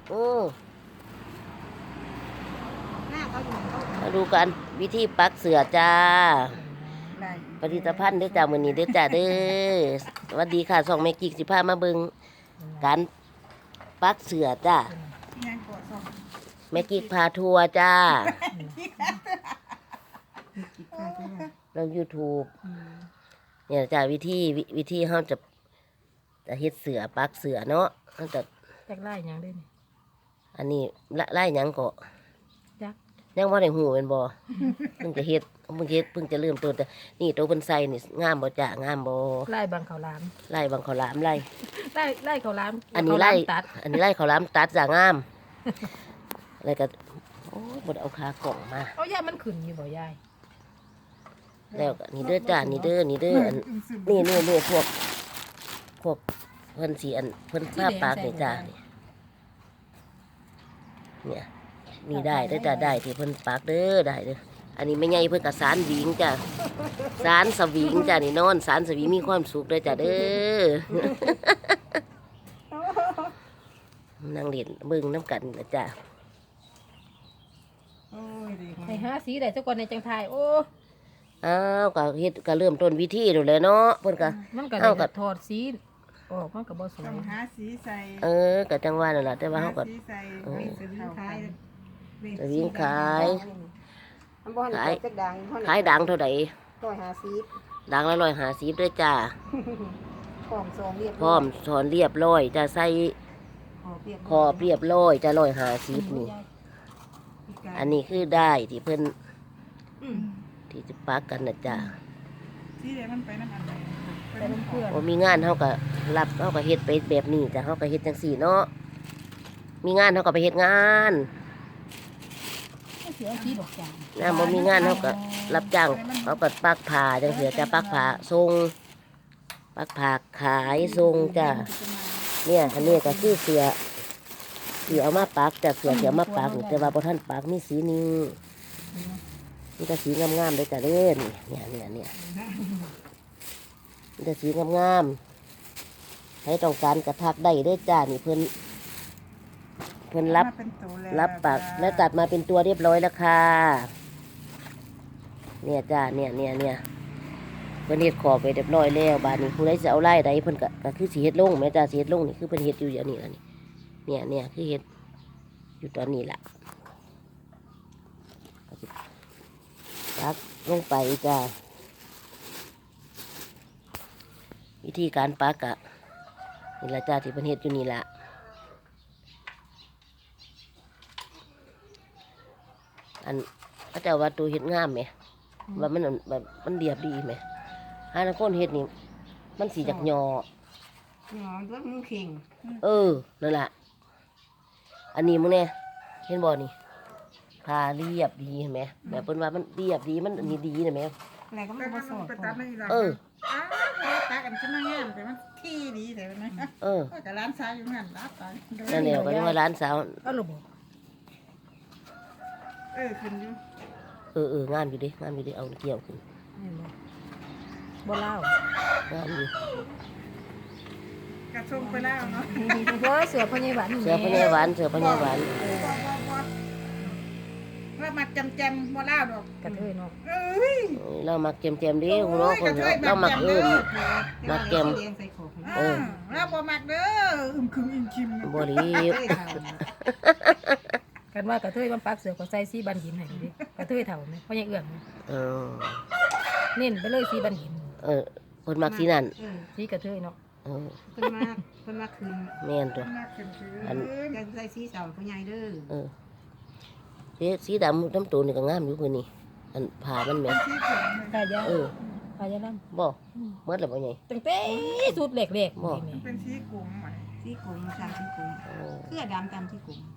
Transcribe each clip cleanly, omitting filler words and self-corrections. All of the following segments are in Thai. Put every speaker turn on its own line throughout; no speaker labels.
โอ้
หน้าเขาอยู่เขา
มาดูกันวิธีปักเสือจ้าผลิตภัณฑ์เด้อจ้ามื้อนี้เด้อจ้าเด้อสวัสดีค่ะ2แม่กิ๊กสิพามาเบิ่งการปักเสือจ้าแม่กิ๊กพาทัวร์จ้าลง YouTube เนี่ยจ้าวิธีเฮาจะเฮ็ดเสือปักเสือเนาะเฮาจะ
จักไล่หยังได้นี่
อันนี้ไล่หยังก็
จัก
ยังบ่ได้ฮู้แม่นบ่เพิ่งจะเฮ็ดเพิ่งจะเริ่มต้นแต่นี่ตัวเพิ่นใส่นี่งามบ่จ้างามบ่
ไล่บางข้าวหลาม
ไล่บางข้าวหลามไล่
ไล่ข้าวหลาม
อันนี้ไล่
ข้าวหลามตัด
อันนี้ไล่ข้าวหลามตัดจ้างามแล้วก็โอ้ยบ่ได้เอาขากล่องมา
เอาย่ามันขึ้นอยู่บ่ยาย
แล้วก็นี่เด้อจ้านี่เด้ออันนี่พวกเพิ่นสิอันเพิ่นผ้าปากนี่จ้าเนี่ยนี่ได้เด้อจ้าได้ที่เพิ่นปากเด้อได้เด้ออันนี้ไม่ใหญ่เพิ่นก็สารหวิงจ้าสารสวิงจ้านี่นอนสารสวิงมีความสุขเด้อจ้าเด้อ นั่งเล่นเบิ่งน้ำกันนะจ้า
ให้หาสีได้สักคนในจังไทยโอ้
อ้าวก็เฮ็ดก็เริ่มต้นวิธีดูเลยเนาะเพิ่นก็
มันก็
เอา
ได้
ก็
ถอดสีออกมันก็บ่สวย
ต้องหาสีใส่
ก็จังว่านั่นล่ะแต่ว่าเฮาก็
สีใส่
เออ
สวิงขาย
สวิงขาย
มันบ่ให้จักดัง
ขายดังเท่าใด
150
ดังละ150ด้วยจ้า
พร้อมซองเรียบ
พร้อมสอนเรียบร้อยจะใส่ขอบเรียบร้อยจะ150นี่อันนี้คือได้ที่เพิ่นที่จะปักกันนะจ้า
สีเดี๋ยวมันไปน้ำอันใด
ไปน้ำเพื่อน
บ่มีงานเฮาก็รับเฮาก็เฮ็ดไปแบบนี้จ้ะเฮาก็เฮ็ดจังซี่เนาะมีงานเฮาก็ไปเฮ็ดงาน
เสียสีดอกจาน
บ่มีงานเฮาก็รับจ้างเฮาก็ปักผ้าจังซี่จ้ะปักผ้าส่งปักผ้าขายส่งจ้ะเนี่ยอันนี้ก็คือเสือเอามาปักจ้ะเสือเอามาปักนี่แต่ว่าบ่ทันปักมีสีนี้นี่ก็สีงามๆเลยจ้ะเด้อนี่เนี่ยนี่ก็สีงามๆใครต้องการกระทักได้เด้อจ้านี่เพิ่นรับปักและตัดมาเป็นตัวเรียบร้อยแล้วค่ะเนี่ยจ้าเนี่ยเพิ่นเฮ็ดขอบไปเรียบร้อยแล้วบาดนี้ผู้ใดจะเอาไล่ใดเพิ่นก็คือสิเฮ็ดลงแม่จ้าสิเฮ็ดลงนี่คือเพิ่นเฮ็ดอยู่อย่างนี้ล่ะนี่เนี่ยคือเฮ็ดอยู่ตอนนี้ล่ะปักลงไปจ้าวิธีการปักอะนี่ละจ้าที่เพิ่นเฮ็ดอยู่นี่ล่ะอันพระเจ้าว่าตัวเฮ็ดงามไหมว่ามันแบบมันเรียบดีไหมหานักคนเฮ็ดนี่มันสีจากหยอ
ด้วยมึงเข่ง
นั่นแหละอันนี้มึงเนี่ยเห็นบ่นี่พาเรียบดีเห็นไหมแบบเพิ่นว่ามันเรียบดีมันอันนี้ดีนะแม่
อะไรก็ไม่ผสมไปตัดไม่ได้
เออ
ตัดกันขึ้นมาแง่แต่มันที่ดีแต่มันนะ กับร้านซ้ายอยู่นั่นรับไป
นั่นแหละก็เรียกว่าร้านสาว
เอาลูกบ่
ขึ้นอยู่
งามอยู่ดิเอาเกี่ยวขึ้น
นี่บ่เล่าง
ามอยู่
กระชงไปแล้วเนาะ
เพราะเสือพญาหวาน
เสือพญาหวาน
ว่ามาจำบ่เล่าดอก
กระเทยเนาะ
เรามักเจมดิหัวเราะคนเรามักมักเจม
เราบ่มักเด้ออึมคิม
บ่รีบ
กันว่ากระเทยมันปักเสือก็ใส่สีบันหินให้ดิกระเทยเฒ่าไหมเพราะยังเอื้อง เน้นไปเลยสีบันหิน
คนมักสีนั่น
สีกระเทยเนาะ
เพิ่นมาคืน
แม่นตัว
อันจะใส่สีเสาผู้ใหญ่เด้อ
สีดำน้ำตูนนี่ก็งามอยู่คือนี่อันผ่ามันแม่
ขายาขายาล่ำ
บ่เมื่อไรบ่ใหญ่
ตั้งแต่สุดเล็กๆนี่
เป็นสีกลุ่มใหม่สีกลุ่มตามสีกลุ่มเสื้อดำตามสีกลุ่ม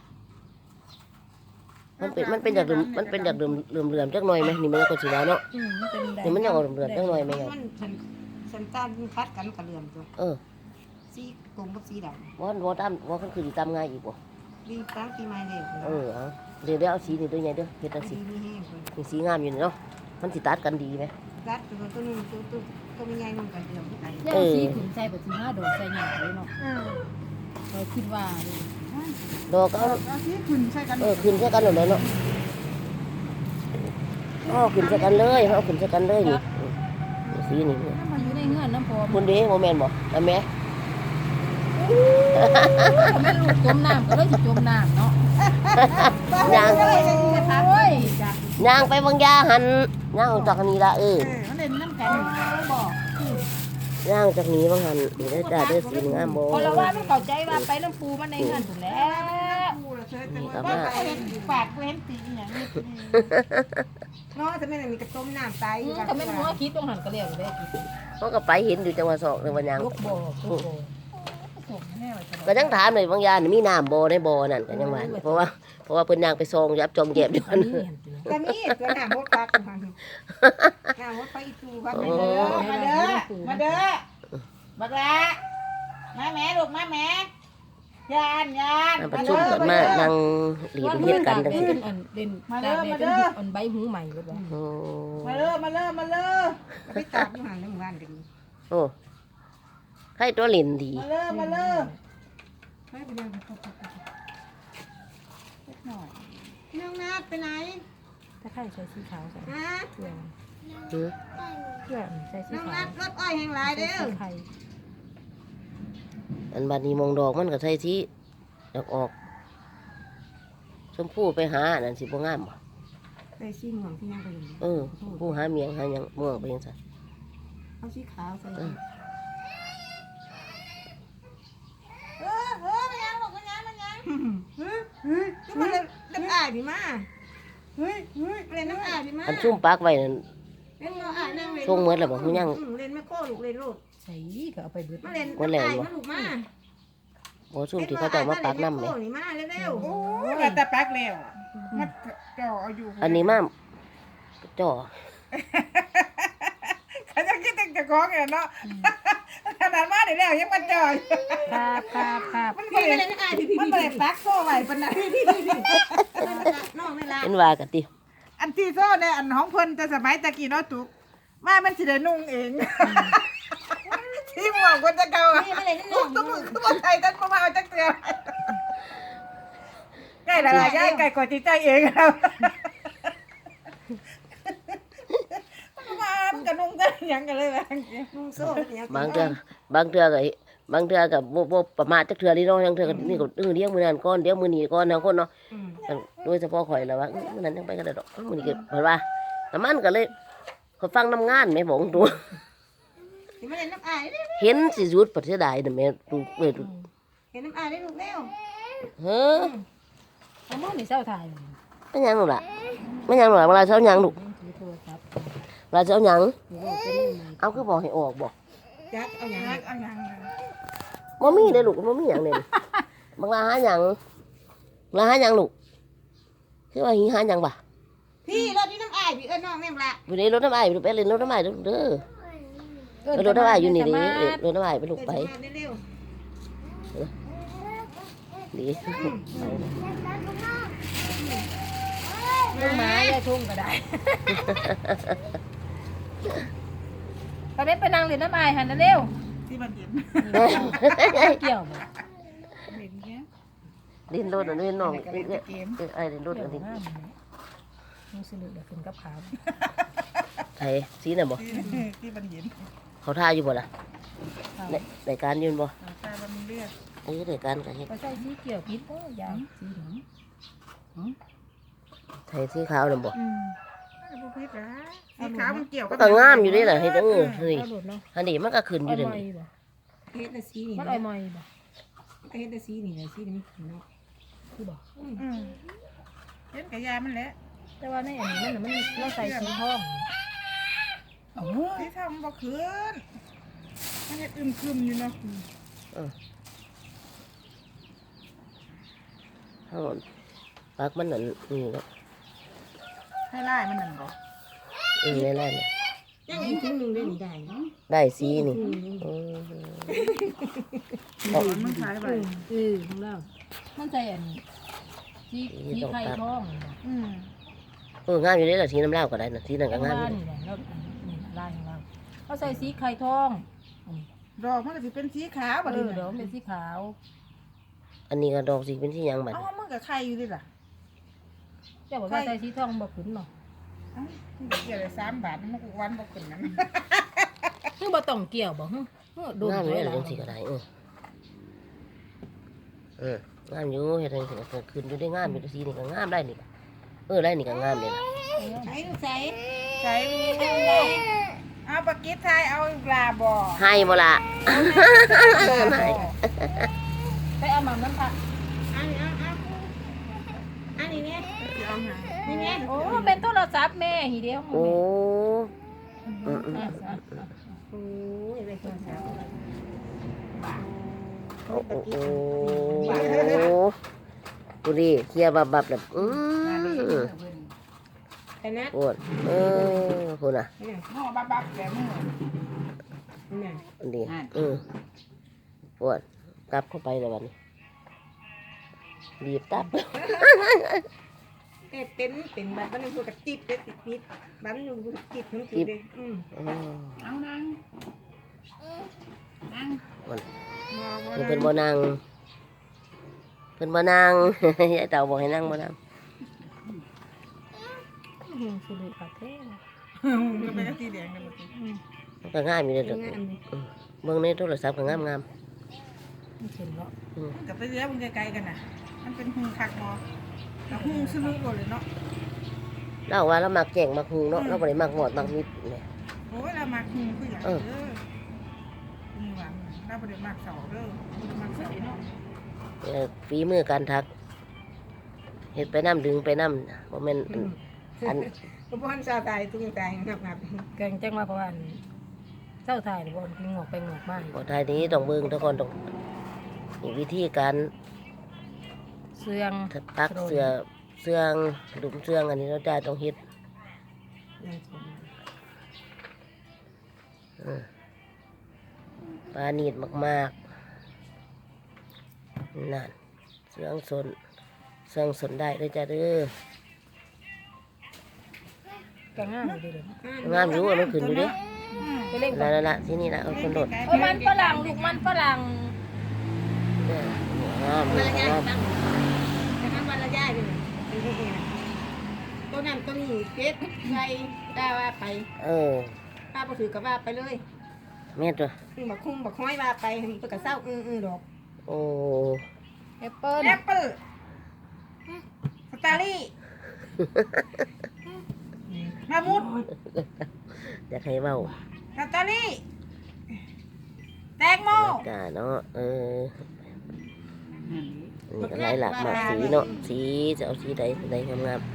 มันเป็นจากเดิมเหลื่อมจักหน่อยไหมนี่มันก็สีดาวเนาะนี่มันยังออกเหลื่อมจักหน่อยไหมไง
มันฉันตามพัดกันกับเหลื่อมตัวสีกลุ่มกับสีดำ
ว่าคือสีตามง่ายอีกบ่
ดีตั้งปีใหม่เลย
เดี๋ยวเอาสีนี่ด้วยไงเด้อเฮ็ดจังซี่นี่สีงามอยู่นี่เนาะมันสิตัดกันดีไหม
รัดตัวนึงตัวใหญ่นุ่งกันเหลื่อมที่ไหน
ย่างสีขุนใจแบบสี5 ดอกใส่หยาเลยเนาะเราคิดว่า
ดอกก็เอา
เอาที่ขึ้นใช่กัน
ขึ้นใส่กันเลยเนาะขึ้นใส่กันเลยเอาขึ้นใส่กันเลยนี่สีนี่
ถ้ามันอยู่ในเงื่อนน้ำพอ
คุณดีโมเมนต์บ่แต่แม่
แม่ลูกจมน้ำก็เลยสิจมน้ำเนาะ
ย่าง
โอ้ยจ้ะ
ย่างไปบางยาหันย่างจากนี้ละ
มันเล่นน้ำกัน
บอก
ย่างจากนี้บางหันนี่ได้จ่าได้สีงามบ่
คนละว่าไม่เข้าใจว่าไปน้ำปูมันในเงื่อนถูกแล้ว
กูละเชิญแต่ว่าก็เห็นปากกูเห็นตีอย่างนี้
เนาะจะไม่ได้มีกระต้มน้ำใส
ก็ไม่รู้ว่าคิดต้องหันกระเลียงได้คิด
เขาก็ไปเห็นอยู่จังหวัดสอกในวันย่าง
ลูกบ่ลูกบ่
ส่งแน่เลย
ก็ยังถามเลยบางยานี่มีน้ำบ่ในบ่นั่นก็ยังว่าเพราะว่าเพิ่นย่างไปซองยับจองแยบอยู่
อันนี้เห็นจริง
ก็มีตัวน้ำมดปลากันมาน้ำมดปลาอีตูพัก
มา
ไป
เด้
เล
อย มาเด้อมาเด้อบักละมาแม่ลูกมาแม่ยาน
ประชุมกันมานั่งหลีดเฮ็ดกันจังซี่
อันเด่นตาเด่นอันใบหูใหม่ก็ได้
โอ้
มาเด้อมาเด้อมาเด้อ
ไปตากอยู่ห่างในหมู่บ้านกัน
โอ้ใครตัวเล่นดี
มาเด้อมาเด้อ
ไปไปเรื่อง
หน่อย
น้องนัดไปไหน
ถ้าใครใส่สีขาวใส่
ฮะ
เพื่อน
หือ
เพื่อนใส่สี
น้อง
ขา
นั
ว
ดรถอ้อยแห่งหลายเด้อ
ไข่
อันบัดนี้มองดอกมันก็ใส่ที่ดอกออกชมพู่ไปหานั่นสิบ่งามบ่
ใส่สีม่วงที่ยังไปอยู่
ชมพู่หาเมียงหาหยังม่วงไปจังซั่น
เอาสีขาวใส่
มันยังลูกมันยัง
ก็มาเล่นน้ำอ่ายพี่มา
เฮ้ย
เล่นน้ำอ่ายพี่มา
อันซุ่มปักไว้นั่น
เล่นน้ำอ่ายนั่งเล่น
ช่วงเมื่อแล้วบ่ฮู้ยัง
เล่นไม่โค้ลูกเล่นโลด
ใส่ก็เอาไปเบิด
มาเล่นน้ำอ่ายมาลูกมา
บ่ซุ่มที่เขาเจ้ามาปักน้ำแหม
นี่มาเร็ว
โอ้ยมาแต่ปักแล้วมาจ่อเอาอยู่
อันนี้มาจ่อ
เขาจะคิดถึงจะคล้องเนาะขนาดมาเดี๋ยวแล้วยังมาจ่อย
ครับ
มัน
พี่
เปิ
ไป
ด
เล่นน้ำอ่ายพี่
มันเปิดปักโซ่ไว้ปนนั้น
น้องไม่ละ
เป็นว่ากันติ
อันที่โซ่เนี่ยอันของเพิ่นแต่สมัยตะกี้เนาะตุกมามันสิได้นุ่งเองที่หมอกคนจะเก่าอ่ะ
พี่มาเล่นน้ำ
ทุกตัวมือคือบ่ใส่กันบ่มาเอาจักเตือใกล้ละลายใกล้ไก่กว่าจิตใจเองครับมันก็นุ่งกันหยังกันเลยแบบ
นุ่งโซ่เนี่ย
บางเทื่อก็บ่ประมาทจักเทื่อนี่เนาะยังเทื่อก็นี่ก็เลี้ยงมื้อนั้นก่อนเดี๋ยวมื้อนี้ก่อนทั้งคนเนาะโดยเฉพาะข่อยแล้วว่ามื้อนั้นยังไปกันได้ดอกมื้อนี้ก็เพิ่นว่าแต่มันก็เลยเขาฟังน้ำงานแม่บอกตัว
พี่มาเล่นน้ำอ่าย
เห็นสิหยุดประเทศใดน่ะแม่ดูเว้ย
เห็นน้ำอ่ายได้ลูกเร็ว
เฮ้อ
เอามือนี่เจ้าถ่าย
ไม่ยังหรอกล่ะไม่ยังหรอกล่ะเวลาเช้ายังลูก
ถือโทรศัพท์
เวลาเช้ายัง
ถือว่าเป็นยังไง
เอาคือบอกให้ออกบอก
จักเอาอย่าง
รักเอาหยัง
บ่มีเด้อลูกบ่มีหยังเด้บางลาหาหยังลาหาหยังลูกคือว่าหิหาหยังบ่
พี่รถที่น้ำอ่ายพี่เอิ้นน้องแม่งละ
อยู่ในรถน้ำอ้ายไปลูกไปเล่นรถน้ำอ้ายเด้อเด้อรถน้ำอ้ายอยู่นี่เด้รถน้ำอ้ายไปลูกไป
เร็ว
ดี
ลูกไม้ได้ทุ่งก็ได้ตอนนี้ไปนั่งเล่นน้ำอายหันเร็ว
ที่มันเห็น
เกี่ยวบ่
เห็นแค่
เล่นรถอันนี้น้อง
เล่นเกม
ไอ้เล่นรถอันนี้
มึงสนุกเดี๋ยวขึ้นกับขา
ไอ้สีน่ะบ่
ที่มันเห็น
เขาท่าอยู่บ่ล่ะในการยืนบ่
ตามันเลือด
ในการก็เฮ็ด
ก็ใส่สีเกี่ยวพิษก็ยางสีหนัง
ใส่สีขาวน่ะบ่
บุพิษนะสีขาวมันเกี่ยว
มันก็งามอยู่เด้ล่ะเฮ็ดเฮ้ย
เอาหลุดเนาะ
อันนี้มันก็ขึ้นอ
อ้อยู่ ย
เด้
มอย
นี่
บ่
เฮ็ดแต่สีนี่
มันอ้อยมอยบ่
เฮ็ดแต่สีนี่สีนี่มันเนาะ
คือบ่
เห็นกับยามันแหละ
แต่ว่าในอันนี้มันเราใส่สีทอง
ที่ทำบ่คืนมันอึมครึมอยู่เนาะ
ทั้งหมดปักมันนั่นนี่เนาะ
ให้ไล่มันนั่นบ่
ในแรกนี่
ยังอีกถึงนึงได้นี่ได้เนาะ
ได้สีนี่
มันขายไป
ของเรามันใส่อันสีไข่ทอง
งามอยู่เด้ล่ะสีน้ำเหล้าก็ได้น่ะสีนั่นก็งามอยู่
นี่แหละแล้วนี่ลายของเราเขาใส่สีไข่ทอง
ดอกมันก็สิเป็นสีขาวบ่
เอ
ดี
อเดี๋ยวมันเป็นสีขาว
อันนี้ก็ดอกสีเป็นที่ยังบัด
เอามันกับใครอยู่ดิล่ะ
เจ้าบอกว่าใส่สีทองบ่ขึ้นเนาะ
เอ้าเกี่ยวเลย3 บาทมันก็วันบ่ขึ้นนั้น
คือบ่ต้องเกี่ยวบ่ฮึโดน
งามอยู่
ไว้
เลย
ล่ะ
จังสีก็ได้งามอยู่เฮ็ดจังซี่ก็ขึ้นอยู่ได้งามอยู่สีนี่ก็งามได้นี่ได้นี่ก็งามเลยล่ะ
ใส่ใส่
ใช้เอาปากกิ๊บทายเอาปลาบ่
ให้บ่ล่ะ ให้
ไปเอาหม่ำน้ำผัก
อันนี้อันนี้เนี่ย
เอาหา
นี่เนี่ย
โอ้เป็นโทรศัพท์แม่หีเดียว
โอ้
อ่ะ
โอ้ยไปคนเช้า
โอ้ดูดิเคลียร์บับแบบ
แต่นัด
ปวดพูดน่ะ
ห่อบับๆแบบมือ
นี่
อันนี้ปวดกลับเข้าไปแล้ววันนี้บีบตับ
เป็นแบบมันพูดกับจิบเลยติดบ้านมันพูดกับจิบทั้งจิบเลย
เอานั่ง
มัน
บ่
เพิ่นบ่นั่งเพิ่นบ่นั่ง ยายเต่าบอกให้นั่งบ่นั่ง
สุดยอดแท้
ก็เป็นสีแดงกันหมด
มันก็ง่ายมีเด้อเบิ่งในโทรศัพท์ก็งาม
มันเห็นเนาะ
กับไปเลี้ยมันไกลๆกันน่ะมันเป็นหุงคักบ่แล้วหุงซื้อบ่เลยเนาะ
เล่าว่าเรามักแกงมักหุงเนาะเราบ่ได้มักหมอดมักมิดเนี่ย
โอ้ยเรามาหุงคืออย่างเด้อนี่ว่าเราบ่ได้มักเสาเด้อมักเสาเนาะ
ฝีมือการทักเฮ็ดไปน้ำดึงไปน้ำบ่แม่นอัน
ก็บ้านชาวไทยตุ้งใจงับ
แกงจังว่าเพราะว่าเจ้าทายบ่กินงอกไปงอกมา
บ่ทายนี้ต้องเบิ่งทุกคนต้องมีวิธีการ
เสื่อง
ตักเสืองหลุมเสืองอันนี้เราจะต้องเฮ็ดปลาหนีดมากๆนั่นเสืองสนได้เลยจ้าเด้อ
แกงง่ายดีเลย
งามอยู่มันขึ้นอยู่เดิ
ไปเล่น
นั่นละที่นี่ละเอาคนโดด
มันฝรั่งลูกมันฝรั่ง
เนี่ยงาม
วันละย่าย
งาม
ตั้งแต่ทำวันละย่ายเลยเป็นที่นี่นะตัวนั้นตัวนี้เป็ดไก่ได้ว่าไป ป้าบ่ถือกับว่าไปเลย
แม่ตัว
บักคุ้งบักห้อยว่าไปเปิดกระเซ้าดอก
โอ้
แอปเปิ้ล
แอปเปิ้ลสตรอเบอรี่มะมุด
อยากให้เว้า
สตรอเบอรี่แตงโม
กาเนาะนี่ก็หลายหลากมากสีเนาะสีจะเอาสีใดงาม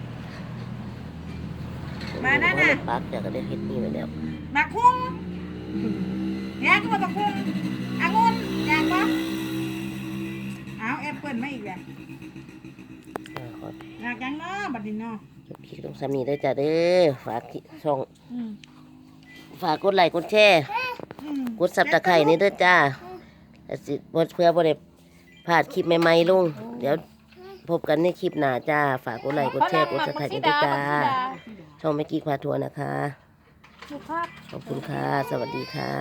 ๆปักจากก็ได้เฮ็ดนี่ไว้แล้ว
มะคุ้งแยกก็มะคุ้งองุ่นอยากปะเอาแอปเปิ้ลมาอีกแล้ว
ขอ
อยากยังเนาะบัดนี้เนาะ
คลิปต้องสามีได้อจ้ะเด้อฝากช่องฝากกดไลค์กดแชร์กดซับตะไคร่นี่เด้อจ้าแล้วสิบ่เพื่อบ่ได้พลาดคลิปใหม่ๆลงเดี๋ยวพบกันในคลิปหน้าจ้าฝากกดไลค์กดแชร์กดซับตะไคร่นี่เด้อจ้าช่องแม่กี้พาทัวร์นะคะ
ลูกภาพ
ขอบคุณค่ะ สวัสดีค่ะ